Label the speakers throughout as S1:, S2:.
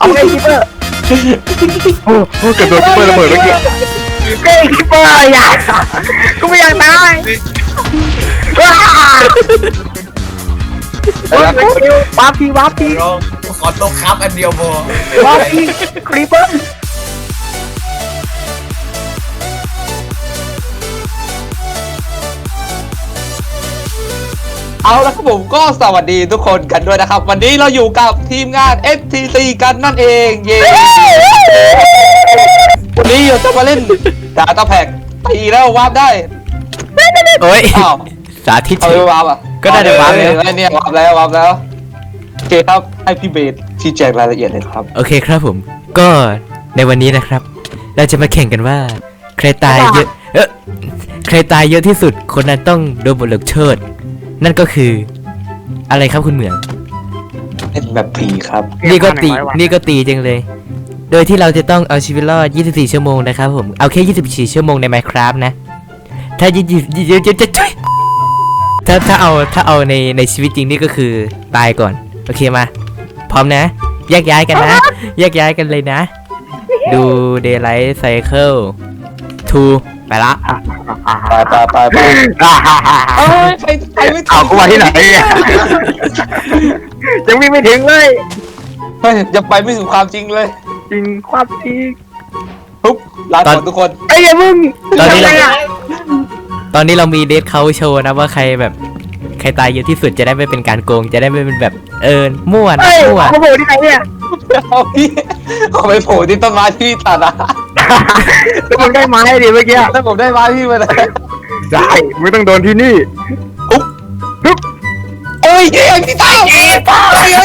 S1: เอาไงคิปเปอร์โอ้เกิดโดนคิปเปอร์ระเบิดเมื่อกี้เก้คิปเปอร์อย่ากูไม่อยากตายว้าวับทีวับที
S2: ขอตกครับอันเดียวพอ
S1: วับทีครีปเปอร์
S3: เอาละครับผมก็สวัสดีทุกคนกันด้วยนะครับวันนี้เราอยู่กับทีมงาน FTC กันนั่นเองเย้วันนี้เราจะมาเล่นดาต้าแพ็กตีแล้ววาร์ปได้
S4: โอ้ย
S3: อ้าว
S4: สาธิต
S3: เอาไปวาร์ปอ่ะ
S4: ก็ได้แต่วาร์ปเลย
S3: เนี่ยวาร์ปแล้ววาร์ปแล้วโอเคครับให้พี่เบสชี้แจงรายละเอียดเลยครับ
S4: โอเคครับผม ก็ในวันนี้นะครับ เราจะมาแข่งกันว่า ใครตายเยอะใครตายเยอะที่สุดคนนั้นต้องโดนบทลงโทษนั่นก็คือ อะไรครับคุณเหมือง
S3: เป็นแบบผีครับ
S4: นี่ก็ตีจังเลย โดยที่เราจะต้องเอาชีวิตรอด 24 ชั่วโมงนะครับผม เอาแค่ 24 ชั่วโมงใน Minecraft นะ ถ้าถ้าเอาในชีวิตจริงนี่ก็คือตายก่อน โอเคมา พร้อมนะ แยกย้ายกันนะ แยกย้ายกันเลยนะ ดู Daylight Cycle 2 ไปละ
S3: ไปเอ้ยไปไม่ถึ
S1: เอา
S3: ง
S1: กูมาที่ไหนยังวิ่งไม่ถึงเลย
S3: เฮ้ยยังไปไม่ถึงความจริงเลย
S1: จริงความจริง
S3: ปุ๊บลาก่อนทุกคน
S1: ไอ้ยังมึง
S4: ตอนนี้เรามีเดทเขาโชว์นะว่าใครแบบใครตายเยอะที่สุดจะได้ไม่เป็นการโกงจะได้ไม่เป็นแบบมั่วนะ
S1: เฮ้ย
S4: มั่ว
S1: เขาบอกที่ไหนเนี่ย
S3: เอาพี่ขอไปโผล่ที่ต้นไม้ที่ตัดอะ
S1: แล้วมึงได้ไม้ดิเมื่อกี้
S3: ถ้าผมได้ไม้พี่มาเลย
S1: ได้ไม่ต้องโดนที่นี่
S3: โอ้ยเฮ้ยพี่ตาเฮ้ยเฮ้ย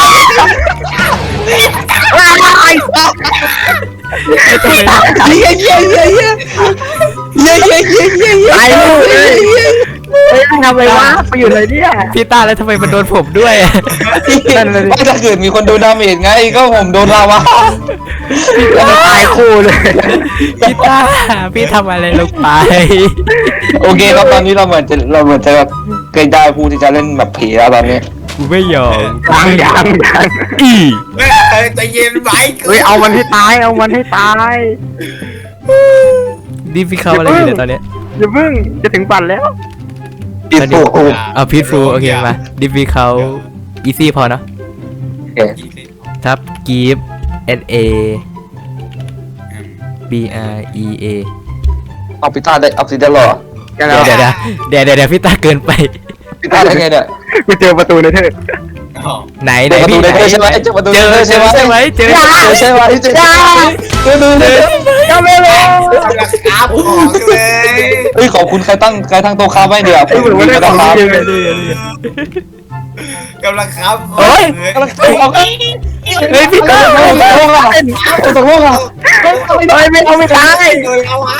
S1: ตายลูกเลยเฮ้ยทำไมวะไปอยู่ไหนเนี่ย
S4: พี่ต้าแล้วทำไมมันโดนผมด้วย
S3: ไม่ถ้าเกิดมีคนโดนดาเมจไงก็ผมโดนลาวา
S1: ตายคู่เลย
S4: พี่ต้าพี่ทำอะไรลงไป
S3: โอเคครับตอนนี้เราเหมือนจะเกยได้ผู้ที่จะเล่นแบบผีแล้วตอนนี้
S4: กูไม่ยอม
S1: ยัง
S4: อี
S2: ใจเย็นไว้
S1: เฮ้ยเอามันให้ตายเอามันให้ตาย
S4: ดิพี่เขาอะไรอยู่เนี่ยตอนเนี้ย
S1: อย่าเพิ่งจะถึงปั่นแล้ว
S3: ปิดโผล่
S4: เอาพีทฟูโอเคมาดิพี่เขาอีซี่พอเนาะทับกีฟ SA BREA
S3: เอาพิต้าได้เอาสิได้หรอ
S4: เดี๋ยวพี่ต้าเกินไป
S3: พิต้าได้ไงเนี่ย
S1: กูเจอประตูในเธอ
S4: ไหน
S3: เจอประตู
S4: พี่
S3: ได้ใช่ไหมเจอประตู
S4: เจอ
S3: ได้ใช่ไหม
S4: ใช่ไหมเจอ
S3: ใช่ไหมเจอดูเลย
S1: ยังไม่รู้
S2: ครับของเลย
S3: เฮ้ยขอบคุณใครตั้งโต๊ะค้าไว้เดี๋ยว
S1: ไอ้เหมือนว่าได้ของจริงเลย
S2: กำลังครับ
S4: โอ้ย
S3: กำลังออก
S4: เฮ้ยพี่ต้า
S3: ตกลงอ่ะตกลงอ่ะ
S1: เฮ้ยไม่เอาไม่ตาย
S2: โดนเอาวะ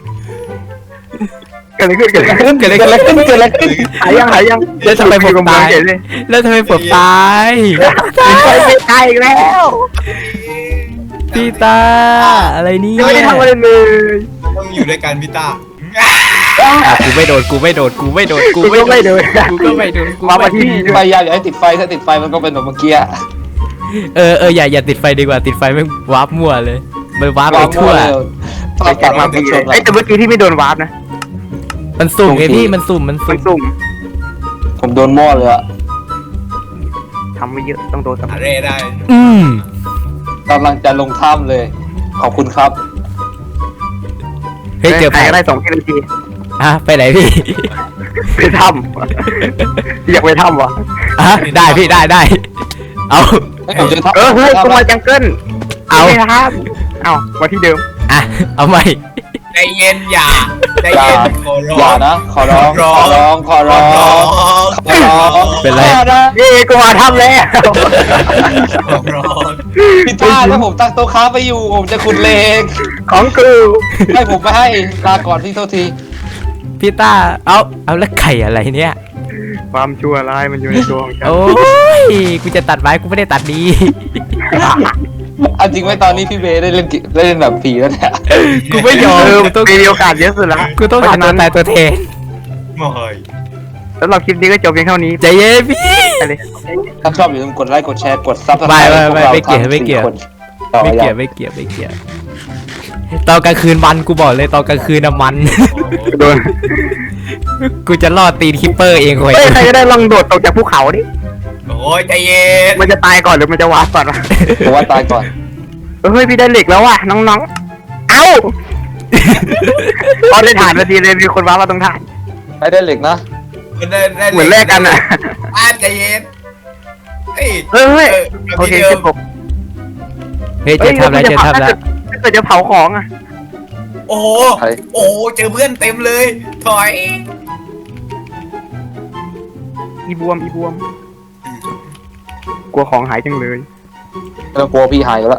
S1: เกิดอะไรขึ้นเกิดอะไรขึ้น
S3: เกิดอะไรขึ้น
S1: หายยัง
S4: แล้วทำไมผมตาย
S1: เลย
S4: แล้วทำไมผมตาย
S1: ไม่ตายอีกแล้ว
S4: พี่ตาอะไรเนี่ย
S1: ยังไม่ได้ทำอะไรเลย
S2: ต้องอยู่ด้วยกันพี่ต้า
S4: กูไม่โดนกูก็ไม่โดน
S1: กูก็ไม่เดิน มาที่นี่
S3: ไฟยาวอย่าให้ติดไฟถ้าติดไฟมันก็เป็นแบบเมื่อกี้
S4: อย่าติดไฟดีกว่าติดไฟไม่วาร์ปมั่วเลยมันวาร์ปไปทั่ว
S3: ไปกลับมาเป็นชน
S1: ไอ้แต่เมื่อกี้ที่ไม่โดนวาร์ปนะ
S4: มันสุ่มไงพี่มันสุ่ม
S1: มันสุ่ม
S3: ผมโดนมั่วเลยอะ
S1: ทำไม่เยอะต้องโดน
S2: อะไรได้
S3: กำลังจะลงถ้ำเลย ขอบคุณครับ
S4: เฮ้ยเจอ
S1: ใคร
S4: ผ่าน
S1: ก็ได้2 นาที
S4: ไปไหนพี่
S1: ไปถ้ำอยากไปถ้ำวะ
S4: ได้พี่ได้เอา
S3: ผมจะ
S1: เฮ้ยกูมาจังเกิลเอามาที่เดิม
S4: เอาใหม่
S2: ใจเย็นอย่าใจเย็นขอร้
S3: อย่า
S2: อง
S3: นะขอร้อง
S4: เป็นไร
S1: นี่กูมาถ้ำแล้ว
S2: ขอร้อง
S3: พี่ต้าถ้าผมตั้งโต๊ะค้าไปอยู่ผมจะขุดเลง
S1: ของกู
S3: ให้ผมไม่ให้ลาก่อนพี่โทษที
S4: พี่ต้าเอาแล้วไข่อะไรเนี่ย
S1: ความชั่วร้ายมันอยู่ในตัวของฉัน
S4: โอ้ยกูจะตัดไม้กูไม่ได้ตัดดี
S3: เอาจริงไหมตอนนี้พี่เบย์ได้เล่นแบบผีแล้วเนี่ย
S4: กูไม่ยอมกูต้อง
S1: มีโอกาสเยอะสุดละ
S4: กูต้องหาตัวตายตัวแทน
S2: ไม่
S1: สำหรับคลิปนี้ก็จบเพียงเท่านี้
S4: ใจเย็นพี่
S1: อะไร
S3: ถ้าชอบอย่าลืมกดไลค์กดแชร์กดซับสไคร
S4: ไม่เกี่ยวไม่เกี่ยวตอนกลางคืนมันกูบอกเลยตอนกลางคืนน่ะมัน
S1: โดน
S4: กูจะรอดตีนคิปเปอร์เองเว้ย
S1: เฮ้ยใครก็ได้ลองโดดตกจากภูเขาดิ
S2: โอ้ยใจเย็น
S1: มันจะตายก่อนหรือมันจะวาร์ปก่อนวะ
S3: ผมว่าตายก่อน
S1: เฮ้ยพี่ได้เหล็กแล้วว่ะน้องๆเอ้าพอได้ถ่านนาทีเลยมีคนวาร์ปมาตรงถ่าน
S3: ไม่ได้เหล็กนะ
S2: ได้
S1: เหมือนแลกกันอ่ะ
S2: ใจเย็นเฮ้ย
S1: เฮ้ยโอเคเจ็บผม
S4: เฮ้ยเจะทำแล้วจะทำแล้ว
S1: ถ้าเกิดจะเผาของอ่ะ
S2: โอ้โหโอ้เจอเพื่อนเต็มเลย ถอย
S1: อีบวมกลัวของหายจังเลย
S3: ไม่ต้องกลัวพี่หายอยู่แล้ว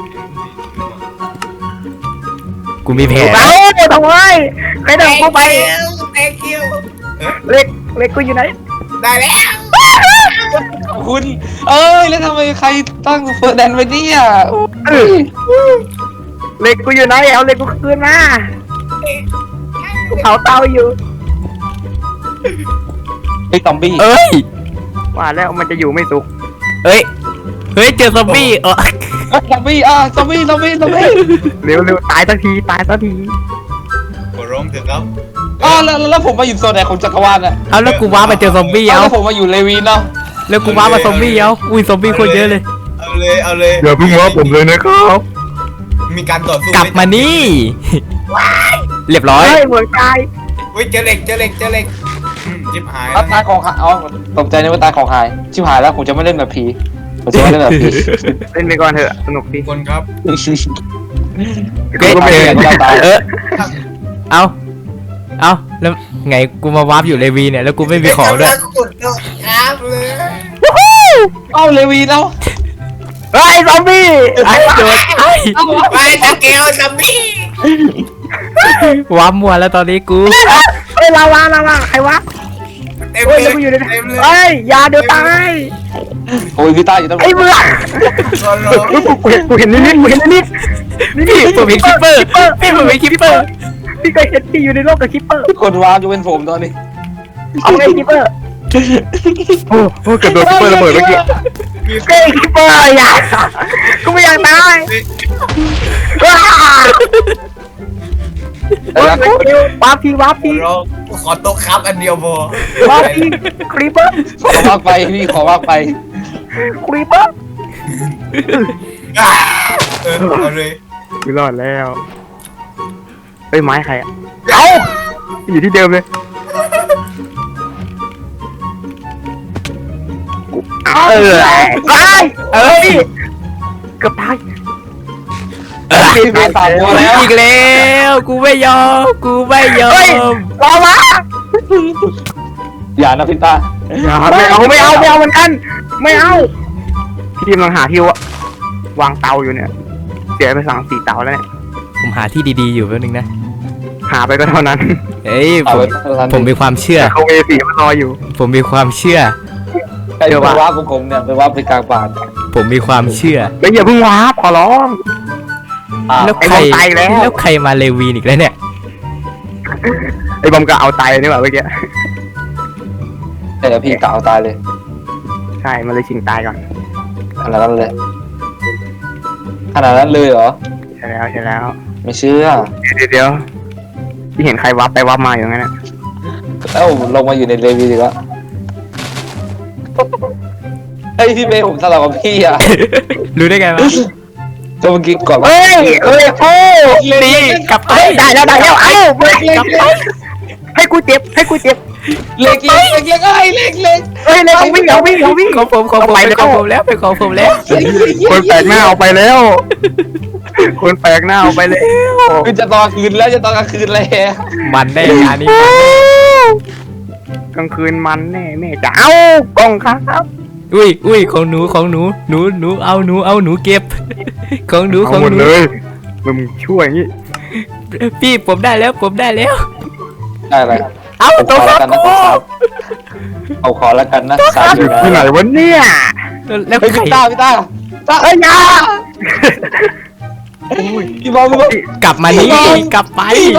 S4: กูมีแผน
S1: เอ้าทำไมใครเดินเข้าไป
S2: แตงคิว
S1: เล็กกูอยู่ไหน
S2: ได้แล้ว
S3: คุณเอ้ยแล้วทำไมใครตั้งเฟิร์สแดนไว้เนี่ย
S1: เล็กกูอยู่ไหนเอาเล็กกูคืนมากูเผาเตาอยู่
S3: ไอ้ซอมบี้
S4: เอ้ย
S1: ว่าแล้วมันจะอยู่ไม่สุข
S4: เฮ้ยเจอซอมบี้
S3: ซอมบี้ซอมบี้
S1: เร็วตายสักที
S2: ขอร้องเถอะครับ
S3: แล้วผมมาอยู่โซนไหนของจักรวาลอ่ะ
S4: เอาแล้วกูว้ามาเจอซอมบี้เอา
S3: แล้วผมมาอยู่เลวีนเนาะ
S4: แล้วกูว้ามาซอมบี้เอาอุ้ยซอมบี้โคตรเยอะเลย
S2: เอาเลย
S1: อย่าเพิ่งว่าผมเลยนะครับ
S2: มีการต่อสู้
S4: กลับมานี่ เรียบร้อย
S1: เฮ้ยเหมือนตาย
S2: เฮ้ยเจอเหล็กจิบหาย
S3: ตายของหายตกใจนึกว่าตายของหายชิบหายแล้วผมจะไม่เล่นแบบผีผมจะไม่เล่นแบบผี
S1: เล่นไปก่อนเถอะสนุกดี
S2: คนครับ
S4: เฮ้ย
S3: ก็ไม่เห็นตาย
S4: เอาแล้วไงกูมาวาร์ปอยู่เลวีเนี่ยแล้วกูไม่มีของด้วย
S2: กดครับเลย
S3: เลวีแล้ว
S1: เฮ้ยซอมบี้
S4: ไอ้โดนไอ้
S2: ไปตะเกียวซัมบี้
S4: วาร์ปมัวแล้วตอนนี้กู
S1: เฮ้ยลาวาใครวะ
S2: เต็ม
S1: เฮ้ย
S2: เล
S1: แล้วกูอยู่ใน
S2: เต็มเลย
S1: เฮ้ยยาเดี๋ยวตาย
S3: โอ้ยพี่ตาอยู่ตรง
S1: ไอ้เบื่อ
S2: ขอร้อง
S1: กูเห็นนิดนี่
S4: พี่ผมเป็นคิปเปอร์พี่ผมเป็นคิปเปอร์
S1: พี่เคยเห็นพี่อยู่ในโลกกับคิปเปอร์
S3: คนวางจะเป็นผมตอนนี้
S1: เอาไงคิปเปอร์โอ้เกือบโดนคิปเปอร์ระเบิดเมื่อกี้เฮ้ยคิปเปอร์อย่ากูไม่อยากตายว้าว้าพี่
S2: ขอร้องขอโต๊ะครับอันเดียวพอ
S1: ว้าพี่ครีปเปอร์
S3: ขอวางไปพี่ขอวางไป
S1: ครีปเปอร์
S2: เอาเลย
S1: กูรอดแล้วเฮ้ยไม้ใครอ่ะเอ้าอยู่ที่เดิมเลยตายเกือบตาย
S3: พี่ตามตัวแล้ว
S4: อีกแล้วกูไม่ยอม
S1: รอมา
S3: อย่านะพี่ตา
S1: ไม่เอาเหมือนกันไม่เอาพี่ทีมกำลังหาที่วางเตาอยู่เนี่ยเสียไป3-4เตาแล้วเนี่ย
S4: ผมหาที่ดีๆอยู่แป๊บนึงนะ
S1: หาไปก็เท่านั้น
S4: เอ้ยผมมีความเชื่อ
S1: เขาเวสีมันรออยู่
S4: ผมมีความเชื่อ
S3: ไอ้ไปว่าของผมเนี่ยไปว่าไปกลางป่า
S4: ผมมีความเชื่อ
S1: แล้วอย่าเพิ่งวาร์ปขอร้อง
S4: แล้ว
S1: ไอ้
S4: ใค
S1: บ
S4: ร
S1: อมตายแล้ว
S4: แล้วใครมาเลวีนอีกแล้วเนี่ย
S1: ไอ้บอมก็เอาตายนี่หว่าเมื่อกี้
S3: แต่พี่กล่าวตายเลย
S1: ใช่มันเลยชิงตายก่อน
S3: ขนาดนั้นเลยเหรอ
S1: ใช่แล้ว
S3: ไม่เชื่อ
S1: เดี๋ยวที่เห็นใครวับไปวับมาอย่างนั้นนะ
S3: แล้วลงมาอยู่ในเลวีดีกว่าไอ้พี่เบย์ผมทะเลาะกับพี่อ่ะ
S4: รู้ได้ไงวะ
S3: ก็เมื่อกี้ก่อน
S1: เฮ้ยโอ้
S4: นี่กลับไป
S1: ได้แล้วเอ้าให้กูเจ็บ
S3: เล็กไอ้เล็ก
S1: เฮ้ยเลยวิ่ง
S4: ของผมแล้วเป็นของผมแล้ว
S1: คนแปลกหน้าเอาไปแล้ว คนแปลกหน้าเอาไปแล้ว
S3: คือจะตอนคืนแล้วจะตอนกลางคืนเลย
S4: มันได้งานนี้
S1: กลางคืนมันแน่แม่จะเอากล้องครับ
S4: อุ้ยของหนูเอาหนูเก็บ ของหนู
S1: เลยมึงช่วยอย่างนี้
S4: พี่ผมได้แล้ว
S3: ได้อะไร
S4: เอาตัว
S3: ขอ
S4: ค
S3: แล้วกันนะ
S4: รับ
S3: เอาขอแล้วกันนะสายอยู่
S1: ที่ไหนวะเนี่ย
S4: แล้ว
S3: เฮ้ย
S4: ใคร
S3: พี่ตา
S1: เอ้ยยา
S3: พี่บอม
S4: กลับมานี่กลับไป
S3: พี่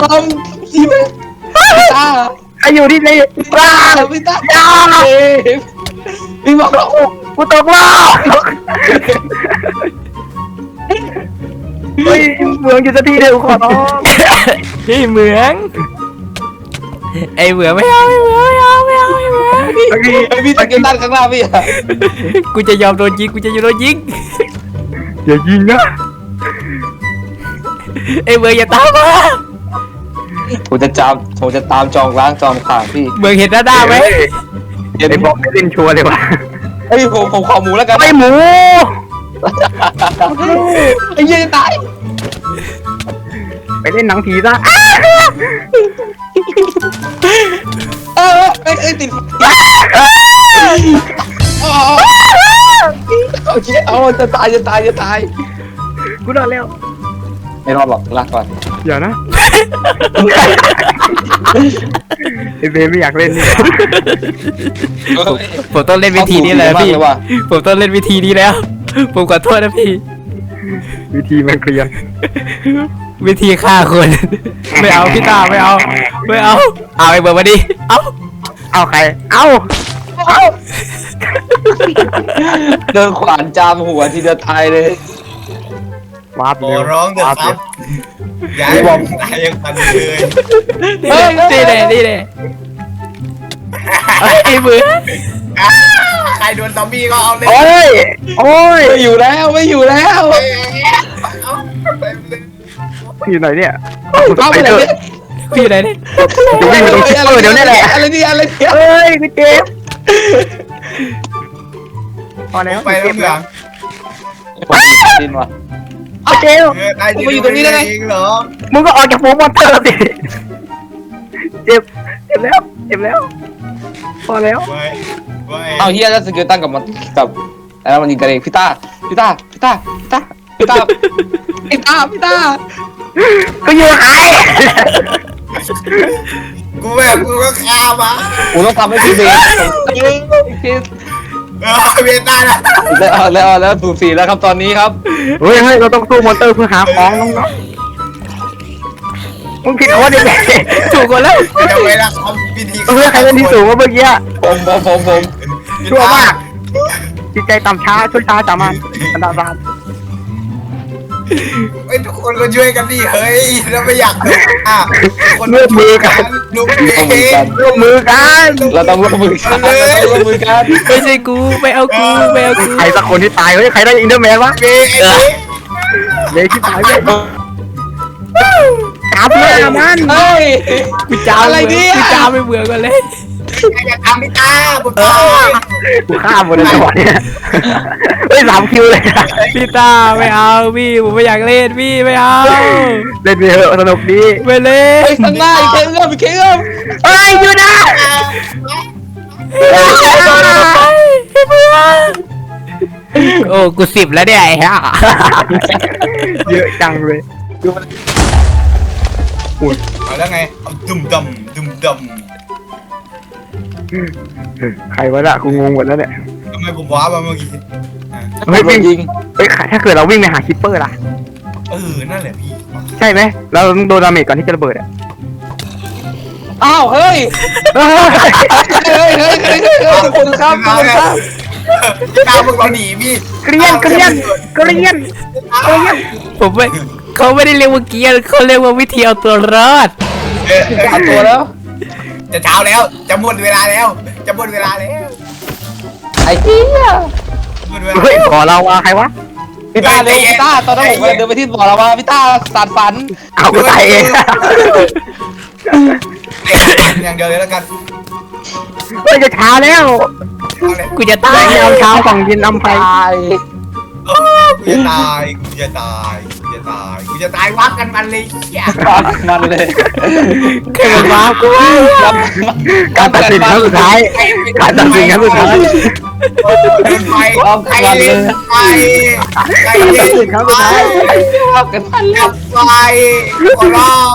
S3: ตา
S1: ใครอยู่ที่ไหน
S3: พี่ตา
S1: ยา
S3: พี่บอกเรา
S1: กูตกรอบเฮ้ยเมืองอยู่สักทีเดียวขอร้อง
S4: พี่เหมืองไอเหมืองไม่เอาไอเหมืองไม่เอาไม่เอาไอเหมือง
S3: พี่ตะเกียบด้านข้างหน้าพี่อะ
S4: กูจะยอมโดนยิงกูจะยอมโดนยิง
S1: อย่ายิงนะ
S4: ไอเหมืองอย่าตามมา
S3: ผมจะตามจองล้างจองผ่านพี่
S4: เหมืองเห็นหน้าไหม
S1: ไอ้บอกไม่เล่นชัวร์เลยวะ
S3: เฮ้ยผมขอหมูแล้วกัน
S1: ไอ้หมู
S3: ไอ้เหี้ยจะตาย
S1: ไปเล่นหนังผีซะ
S3: ไอ้ติดโอเคเอาจะตาย
S1: กูรอดแล้ว
S3: ไม่รอดหรอกลากก่อน
S1: อย่านะไอ้เบไม่อยากเล่นนี่
S4: ผมต้องเล่นวิธีนี้เลยพี่ผมต้องเล่นวิธีนี้แล้วผมขอโทษนะพี่
S1: วิธีมันเกลียน
S4: วิธีฆ่าคนไม่เอาพี่ตาไม่เอาเอาไอเหมืองมาดิเอา
S1: ใครเอา
S3: เดินขวานจามหัวทีเดียวตายเลย
S1: วาร์ป
S2: ขอ
S1: เร็ว
S2: ร้องเถอะครับอย่าให้ผมตายยังทันเลย
S4: นี่เลยไอเหมือง
S2: ใครโดนซอมบี้ก็เอาเลย
S1: โอ้ย
S3: ไม่อยู่แล้ว
S2: เอาไปเลย
S1: อยู่ไหนเนี่ย
S3: เอาไปเลย
S4: พี่ไหนเนี่ย
S1: จะวิ่งไปตรงคิปเปอร์เดี๋ยวนี้แหละ
S3: อะไรเนี่ย
S1: เอ้ยกูเจ็บพอแล้ว
S2: ไปแล้วเหรอ
S3: ดินว่ะ
S1: กูเจ็บ
S2: ได้อยู่ตรงนี้ได้เองเหรอ
S1: มึงก็ออกจากฝูงมอนเตอร์สิเจ็บแล้วพอแล้ว
S2: ไว้
S3: เอาเฮียแล้วสกิลตั้งกับมันกับแล้วมันยิงกันเองพี่ต้า
S1: ก็อยู่หาย
S2: กูก็ฆ่ามา
S3: กูต้องทำให้พี่เบส
S2: เวียนได้นะ
S3: แล้วสูสีแล้วครับตอนนี้ครับ
S1: เฮ้ยเราต้องสู้มอนเตอร์เพื่อหาของน้องๆมึงผิดคนยังไงถูกคนแล้ว
S2: จะไปละทำพิธี
S1: เพื่อใครเป็นที่สูงวะเมื่อกี้
S3: ผม
S1: ชั่วมากจิตใจต่ำช้าชั่วช้าสามัญอันดาบาน
S2: เฮ้ยทุกคนก็ช่วยกันดิเฮ้ยแล้วไม่อยากดูคน
S1: ร่วมมือกัน
S2: ลุกเอง
S1: ร่วมมือกัน
S3: เราต้องร่วมมือกัน
S4: ไม่ใช่กูไม่เอากู
S1: ใครสักคนที่ตายเฮ้ยใครได้อินเดอร์แมนวะ
S2: เองไอ้
S1: เลยที่ตายเลยจับเลยมัน
S3: เฮ้ย
S4: กูจ้า
S3: อะไรเนี่ย
S4: กูจ้าไม่เบื่อกันเลย
S2: อย่าทำพี่ตาผมตาย
S1: กูฆ่าหมดเลยจังหวะเนี้ยเฮ้ย3 คิวเลย
S4: พี่ตาไม่เอาพี่ผมไม่อยากเล่นพี่ไม่เอา
S1: เล่นไปเถอะสนุกดี
S4: ไม่เล่น
S3: ไอ้ข้างหน้าอีกเคเอื้อม
S1: เฮ้ยอยู่นะ
S4: โอ้กู10แล้วเนี่ยไอ้ห่า
S1: เยอะจังเลย
S2: เอาแล้วไงเอาดุมดำ
S1: ใครวะน่ะกูงงหมดแล้วเนี่ย
S2: ทำไมผมว้ามาเมื่อกี้
S1: เฮ้ยวิ่ง
S3: ยิง
S1: เฮ้ยถ้าเกิดเราวิ่งไปหาคิปเปอร์ล่ะ
S2: นั่นแหละพี่
S1: ใช่ไหมเราต้องโดนดาเมจก่อนที่จะระเบิดอ่ะ
S3: อ้าวเฮ้ยทุกคนครับ
S2: ตามึงเราหนีพี่
S1: เกลียน
S4: ผมไม่เขาไม่ได้เรียกว่าเกียร์เขาเรียกว่าวิธีเอาตัวรอด
S3: เอาตัวแล้ว
S2: จะเช้าแล้วจะหมดเวลาแล้ว
S3: ไอ้เหี้ย
S2: หมดเวลา
S1: เฮ้ยขอเราว่าใครวะ
S3: พี่ต้าเร็วพี่ต้าตอนนั้นผมเดินไปที่บ่อแล้วว่าพี่ต้าสารฝัน
S1: เอากูตายเอง
S2: อย่างเดียวเลยแล้วกัน
S1: เฮ้ยจะช้าแล้ว
S4: กูจะ
S1: แร
S4: ตาย
S1: งยามเช้าฝั่งเย็นนำไฟ
S3: ตาย
S2: กูจะตายวัดกันมันเลยเหี้ย
S3: มันเลย
S4: แค่มันว้ากู
S1: การตัดสินครั้งสุดท้ายการตัดสินครั้งสุดท้าย
S2: ไฟใครเล่นไฟใครเล่นไฟ
S3: เอากันมันเลย
S2: ดับไฟขอร้อง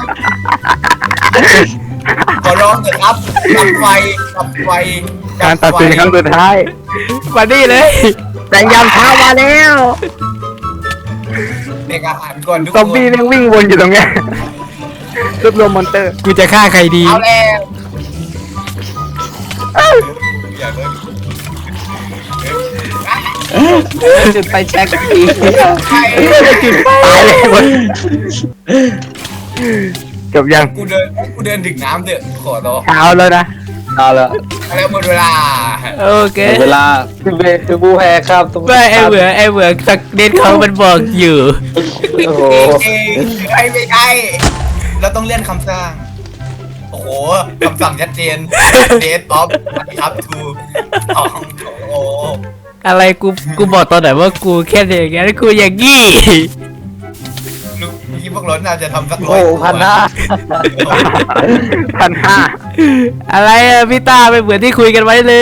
S2: เถอะครับดับไฟ
S1: การตัดสินครั้งสุดท้าย
S4: มาดิเลย
S1: แรงยามเช้ามาแล้ว
S2: เด็กอาหารก่อนทุก
S1: ซอม
S2: คน
S1: บี้แม่งวิ่งวนอยู่ตรงเนี้ยรวบรวมมอนเตอร์
S4: กูจะฆ่าใครดี
S2: เอาแล้วอย่าเลย
S3: จุดไฟแช็กอีก
S2: ใคร
S1: ตายเลยหมดจบยัง
S2: กูเดินถึงน้ำเถอะขอร้อง
S1: เช้าแล้วนะ
S3: เอาละ
S2: แล้วหมดเวลา
S4: โอเค
S3: เวลาคือผู้แพ้ครับ
S4: ไม่ไอเหมือนสักเด็ดเขามันบอกอยู่
S3: โอ้โห
S2: เองไม่ใช่เราต้องเลื่อนคำสั่งโอ้โหคำสั่งชัดเจนเดทออฟครับทูสองโอ้
S4: อะไรกูบอกตอนไหนว่ากูแค่อย่างงี้กูอย่างงี้
S2: ลูกพี่พวกเราน่าจะทำสัก
S3: โอ้โหพันหน้า
S1: 1,500
S4: อะไรอะพี่ตาไม่เหมือนที่คุยกันไว้เลย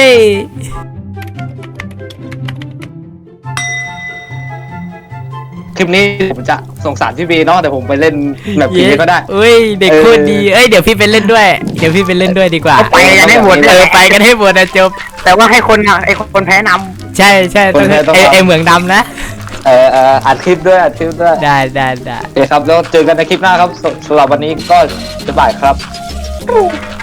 S3: คลิปนี้ผมจะส่งสารพี่บีเนาะแต่ผมไปเล่นแบบพีก็ได้
S4: อุ้ยเด็กโคตรดีเอ้ยเดี๋ยวพี่ไปเล่นด้วยเดี๋ยวพี่ไปเล่นด้วยดีกว่า
S1: ไปกันให้หมดเลย
S4: ไปกันให้หมดนะจบ
S1: แต่ว่าให้คนแพ้น
S4: ใช่ต้องไอเหมืองดำนะ
S3: อัดคลิปด้วย
S4: ได้
S3: โอเคครับแล้วเจอกันในคลิปหน้าครับสำหรับวันนี้ก็จะบ่ายครับ